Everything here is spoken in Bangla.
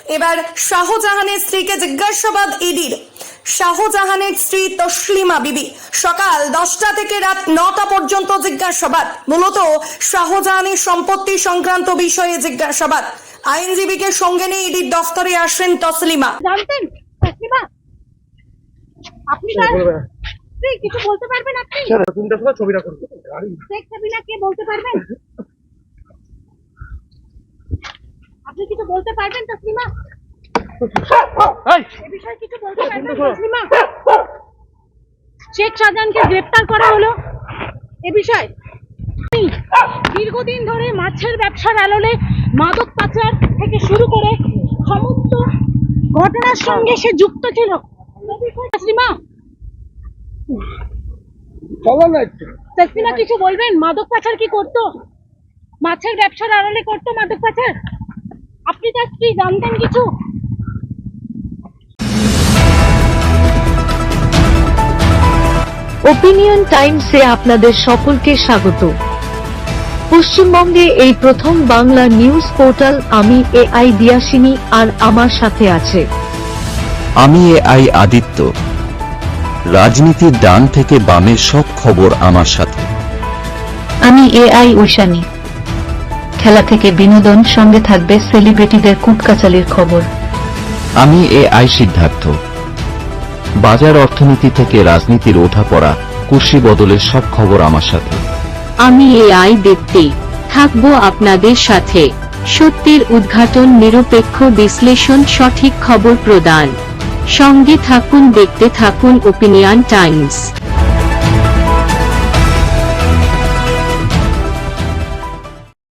এবার শাহজাহানের স্ত্রীকে জিজ্ঞাসাবাদ ইডির। শাহজাহানের স্ত্রী তসলিমা বিবি সকাল 10টা থেকে রাত 9টা পর্যন্ত জিজ্ঞাসাবাদ। মূলত শাহজাহানের সম্পত্তি সংক্রান্ত বিষয়ে জিজ্ঞাসাবাদ। আইনজীবীকে সঙ্গে নিয়ে ইডির দফতরে আসেন তসলিমা। জানতেন তসলিমা, আপনি কিছু বলতে পারবেন? আপনি ছবিটা করবো শেখ সাবিনা কে বলতে পারবেন? আপনি কিছু বলতে পারবেন তসলিমা? এই বিষয়ে কিছু বলতে পারবেন তসলিমা? শেখ শাহজাহানকে গ্রেফতার করা হলো, এ বিষয়ে দীর্ঘদিন ধরে মাছের ব্যবসার আড়ালে মাদক পাচার থেকে শুরু করে সমস্ত ঘটনার সঙ্গে সে যুক্ত ছিল। তসলিমা, তসলিমা কিছু বলবেন? মাদক পাচার কি করতো? মাছের ব্যবসার আড়ালে করতো মাদক পাচার? আপনি তার স্ত্রী, জানতেন কিছু? ওপিনিয়ন টাইমসে আপনাদের সকলকে স্বাগত। পশ্চিমবঙ্গে এই প্রথম বাংলা নিউজ পোর্টাল। আমি AI দিয়াসিনী, আর আমার সাথে আছে আমি AI আদিত্য। রাজনীতির ডান থেকে বামের সব খবর আমার সাথে। আমি AI ঐশানী। খেলা থেকে বিনোদন, সঙ্গে থাকবে সেলিব্রিটিদের কুটকাচালির খবর। আমি AI সিদ্ধার্থ। বাজার অর্থনীতি থেকে রাজনীতির ওঠাপড়া, কুর্সি বদলের সব খবর আমার সাথে। আমি AI দীপ্তি, থাকবো আপনাদের সাথে। সত্যের উদ্ঘাটন, নিরপেক্ষ বিশ্লেষণ, সঠিক খবর প্রদান। সঙ্গে থাকুন, দেখতে থাকুন ওপিনিয়ন টাইমস।